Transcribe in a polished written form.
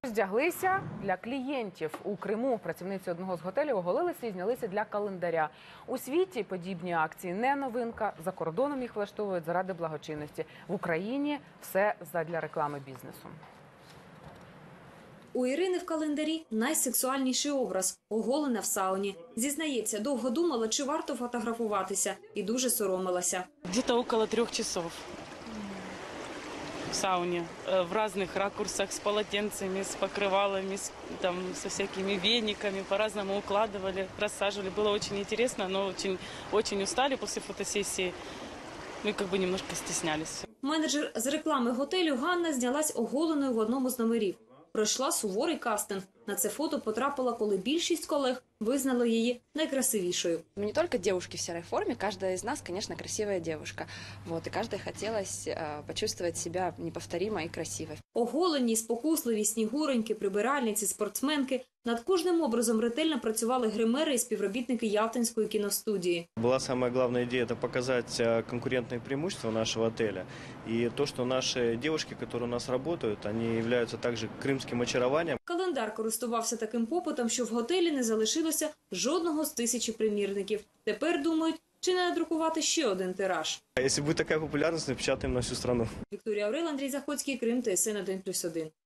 Роздяглися для клієнтів у Криму. Працівниці одного з готелів оголилися і знялися для календаря. У світі подібні акції не новинка. За кордоном їх влаштовують заради благочинності. В Україні все задля реклами бізнесу. У Ірини в календарі найсексуальніший образ – оголена в сауні. Зізнається, довго думала, чи варто фотографуватися, і дуже соромилася. Где-то около 3 часов в сауне, в разных ракурсах, с полотенцами, с покрывалами, со всякими вениками, по-разному укладывали, рассаживали. Было очень интересно, но очень устали после фотосессии. Мы как бы немножко стеснялись. Менеджер з реклами готелю Ганна знялась оголеною в одному з номерів. Пройшла суворий кастинг. На це фото потрапила, коли більшість колег визнали її найкрасивішою. Мы не только девушки в серой форме, каждая из нас, конечно, красивая девушка. Вот, и каждой хотелось почувствовать себя неповторимой и красивой. Оголені, спокусливі, снігуреньки, прибиральниці, спортсменки. Над кожним образом ретельно працювали гримери і співробітники Ялтинської кіностудії. Была самая главная идея – это показать конкурентные преимущества нашего отеля. И то, что наши девушки, которые у нас работают, они являются также крымским очарованием. Календар користувався таким попитом, що в готелі не залишилося жодного з 1000 примірників. Тепер думають, чи не надрукувати ще один тираж. Если будет такая популярность, напечатаем на всю страну. Вікторія Орел, Андрій Заходський, Крим, ТСН 1+1.